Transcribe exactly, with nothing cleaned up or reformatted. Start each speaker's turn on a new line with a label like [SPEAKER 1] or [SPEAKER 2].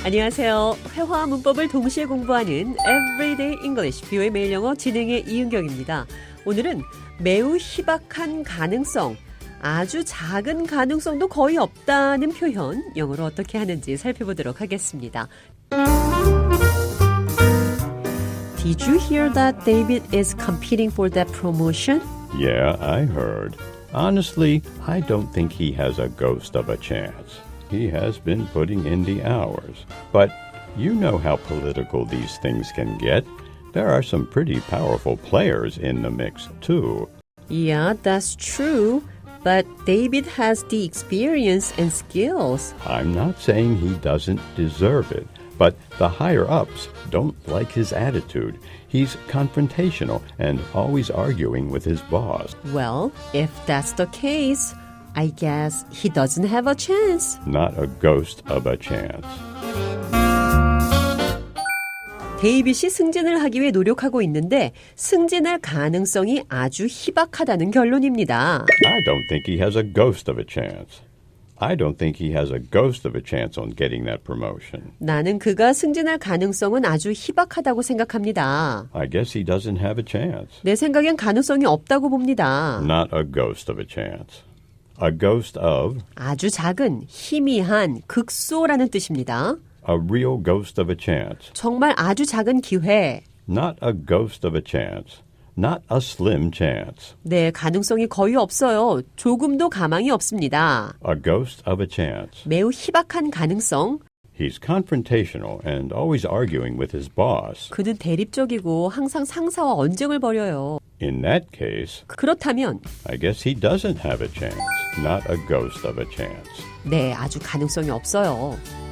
[SPEAKER 1] 안녕하세요. 회화와 문법을 동시에 공부하는 Everyday English, 비오의 매일 영어 진행의 이은경입니다. 오늘은 매우 희박한 가능성, 아주 작은 가능성도 거의 없다는 표현, 영어로 어떻게 하는지 살펴보도록 하겠습니다. Did you hear that David is competing for that promotion?
[SPEAKER 2] Yeah, I heard. Honestly, I don't think he has a ghost of a chance. He has been putting in the hours. But you know how political these things can get. There are some pretty powerful players in the mix, too.
[SPEAKER 1] Yeah, that's true. But David has the experience and skills.
[SPEAKER 2] I'm not saying he doesn't deserve it, but the higher-ups don't like his attitude. He's confrontational and always arguing with his boss.
[SPEAKER 1] Well, if that's the case, I guess he doesn't have a chance.
[SPEAKER 2] Not a ghost of a chance.
[SPEAKER 1] 데이빗이 승진을 하기 위해 노력하고 있는데 승진할 가능성이 아주 희박하다는 결론입니다.
[SPEAKER 2] I don't think he has a ghost of a chance. I don't think he has a ghost of a chance on getting that promotion.
[SPEAKER 1] 나는 그가 승진할 가능성은 아주 희박하다고 생각합니다.
[SPEAKER 2] I guess he doesn't have a chance.
[SPEAKER 1] 내 생각엔 가능성이 없다고 봅니다.
[SPEAKER 2] Not a ghost of a chance. A ghost of,
[SPEAKER 1] 아주 작은, 희미한, 극소라는 뜻입니다.
[SPEAKER 2] a real ghost of a chance.
[SPEAKER 1] 정말 아주 작은 기회.
[SPEAKER 2] Not a ghost of a chance. Not a slim chance.
[SPEAKER 1] 네, 가능성이 거의 없어요. 조금도 가망이 없습니다.
[SPEAKER 2] A ghost of a chance.
[SPEAKER 1] 매우 희박한 가능성.
[SPEAKER 2] He's confrontational and always arguing with his boss.
[SPEAKER 1] 그는 대립적이고 항상 상사와 언쟁을 벌여요.
[SPEAKER 2] In that case,
[SPEAKER 1] 그렇다면
[SPEAKER 2] I guess he doesn't have a chance. Not a ghost of a chance.
[SPEAKER 1] 네, 아주 가능성이 없어요.